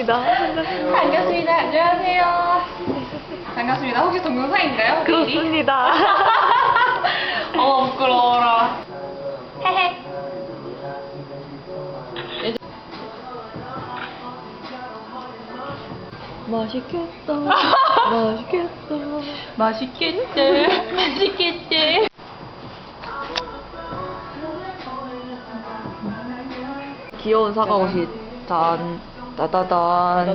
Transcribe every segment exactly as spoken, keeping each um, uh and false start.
반갑습니다. 반갑습니다. 안녕하세요. 반갑습니다. 혹시 동영상인가요? 그렇습니다. 어, 부끄러워라. 헤헤. 맛있겠다. 맛있겠다. 맛있겠지. 맛있겠지. 귀여운 사과 옷이 짠, 따다단.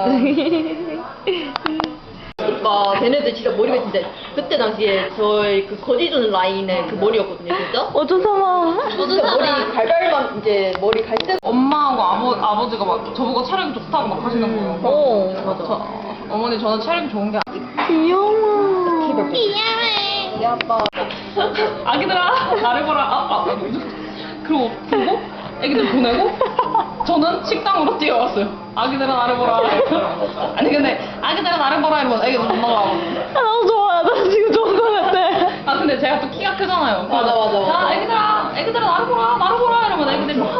오빠 걔네들 진짜 머리가 진짜 그때 당시에 저희 그 거지존 라인의 그 머리였거든요 진짜. 어쩌사마. 진짜 머리 갈갈만 이제 머리 갈색. 엄마하고 아버, 아버지가 막 저보고 촬영 좋다고 막 하시는 거예요. 어, 맞아. 저, 어머니 저는 촬영 좋은 게 귀여워. 우리 아빠. 아기들아 나를 보라. 아, 아, 아. 그리고 보고 애기들 보내고 저는 식당으로 뛰어왔어요. 아기들아 나를 보라. 아니 근데 아기들아 나를 보라 이러면 애기들 못 나가고. 아, 너무 좋아. 나 지금 좋은 거 같아. 아 근데 제가 또 키가 크잖아요. 맞아, 맞아, 맞아. 자 애기들아 애기들아 나를 보라 나를 보라 이러면 애기들이 막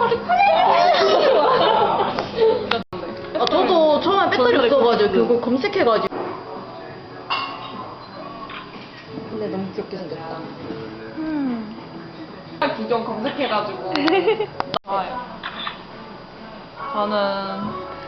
아 저도 처음에 배터리 없어가지고 그거 검색해가지고. 근데 너무 귀엽게 생겼다. 음. 구경 검색해가지고. 좋아요. 저는